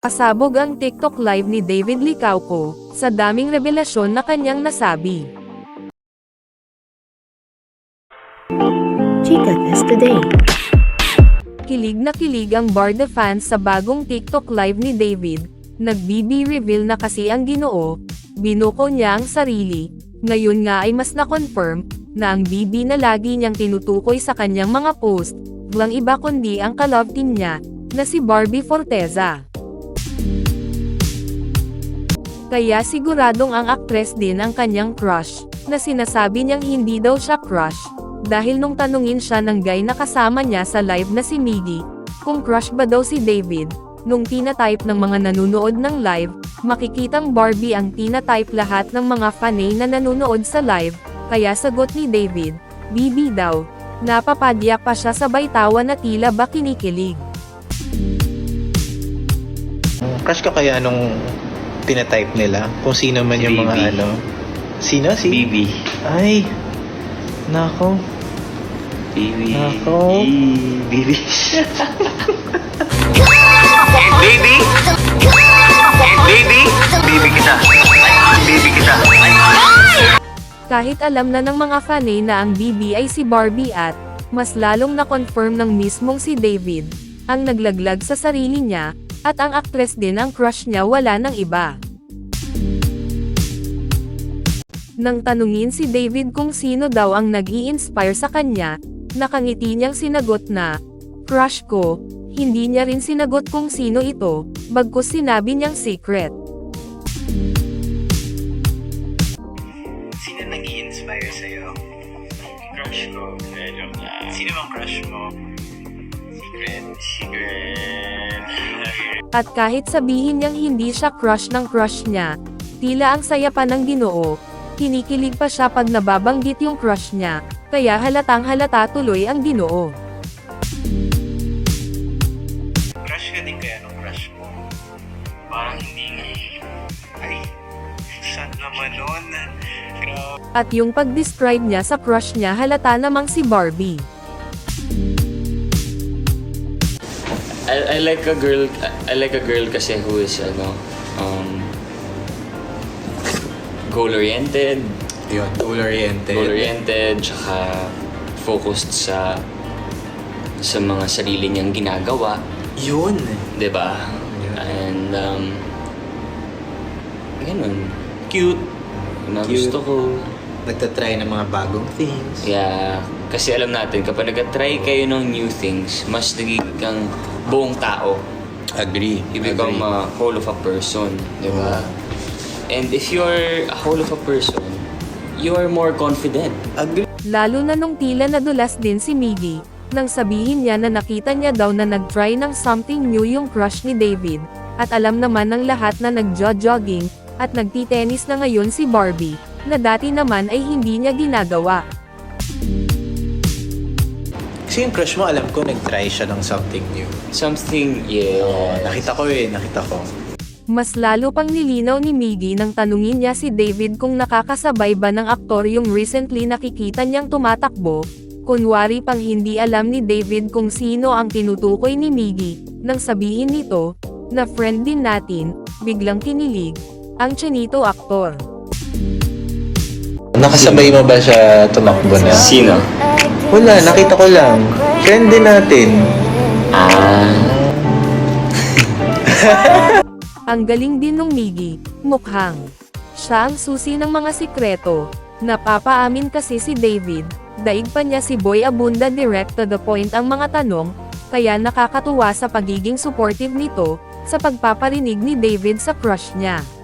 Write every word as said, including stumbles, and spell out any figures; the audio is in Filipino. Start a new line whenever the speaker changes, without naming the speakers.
Pasabog ang TikTok live ni David Licauco, sa daming revelasyon na kanyang nasabi.
Chika Test Today.
Kilig na kilig ang Barda fans sa bagong TikTok live ni David. Nag-B B reveal na kasi ang Ginoo, binuko niya ang sarili. Ngayon nga ay mas na-confirm na ang B B na lagi niyang tinutukoy sa kanyang mga post, walang iba kundi ang ka-love team niya, na si Barbie Forteza. Kaya siguradong ang aktres din ang kanyang crush, na sinasabi niyang hindi daw siya crush, dahil nung tanungin siya ng guy na kasama niya sa live na si Miggy, kung crush ba daw si David, nung tinatype ng mga nanunood ng live, makikitang Barbie ang tinatype lahat ng mga fanay na nanunood sa live, kaya sagot ni David, B B daw. Napapadyak pa siya sabay tawa na tila ba kinikilig.
Crush ka kaya nung tinatype nila? Kung sino man yung mga
B B.
ano? Sino? Si?
B B.
Ay! Nako.
B B.
Nako.
B B. And baby. And baby. Baby kita. Baby kita.
Kahit alam na ng mga fanay na ang B B ay si Barbie at, mas lalong na-confirm ng mismong si David, ang naglaglag sa sarili niya, at ang aktres din ang crush niya wala ng iba. Nang tanungin si David kung sino daw ang nag-i-inspire sa kanya, nakangiti niyang sinagot na, crush ko. Hindi niya rin sinagot kung sino ito, bagkus sinabi niyang secret.
Sino nag-i-inspire sa'yo? Crush ko. Medyo na. Sino bang crush mo? Secret. Secret.
At kahit sabihin niyang hindi siya crush ng crush niya, tila ang saya pa ng Ginoo, kinikilig pa siya pag nababanggit yung crush niya, kaya halatang halata tuloy ang Ginoo.
Crush ka din kaya nung crush mo? Parang hindi nga eh. Ay, sad naman nun. Grabe.
At yung pag-describe niya sa crush niya halata namang si Barbie.
I, I like a girl I like a girl kasi who is ano um goal oriented,
Yun, goal-oriented.
goal oriented, tsaka focused sa sa mga sarili niyang ginagawa,
Yun.
'di ba? And um ganun, cute. Na
Cute.
gusto ko.
Nagtatry ng mga bagong things.
Yeah, kasi alam natin kapag nag-try kayo ng new things, mas nagiging kang buong tao.
Agree.
You become a whole of a person, di ba? And if you're a whole of a person, you are more confident.
Agree.
Lalo na nung tila nadulas din si Miggy, nang sabihin niya na nakita niya daw na nag-try ng something new yung crush ni David, at alam naman ng lahat na nag-jogging, at nagtitennis na ngayon si Barbie, na dati naman ay hindi niya ginagawa.
Kasi yung crush mo, alam ko, nag-try siya ng something new.
Something, yeah.
Oo, nakita ko eh, nakita ko.
Mas lalo pang nilinaw ni Miggy nang tanungin niya si David kung nakakasabay ba ng aktor yung recently nakikita niyang tumatakbo, kunwari pang hindi alam ni David kung sino ang tinutukoy ni Miggy, nang sabihin nito, na friend din natin, biglang kinilig, ang Chinito aktor.
Nakasabay mo ba siya tumakbo na?
Sino?
Wala, nakita ko lang. Friend din natin.
Ah.
Ang galing din nung Miggy, mukhang. Siya ang susi ng mga sikreto. Napapaamin kasi si David, daig pa niya si Boy Abunda direct to the point ang mga tanong, kaya nakakatuwa sa pagiging supportive nito, sa pagpaparinig ni David sa crush niya.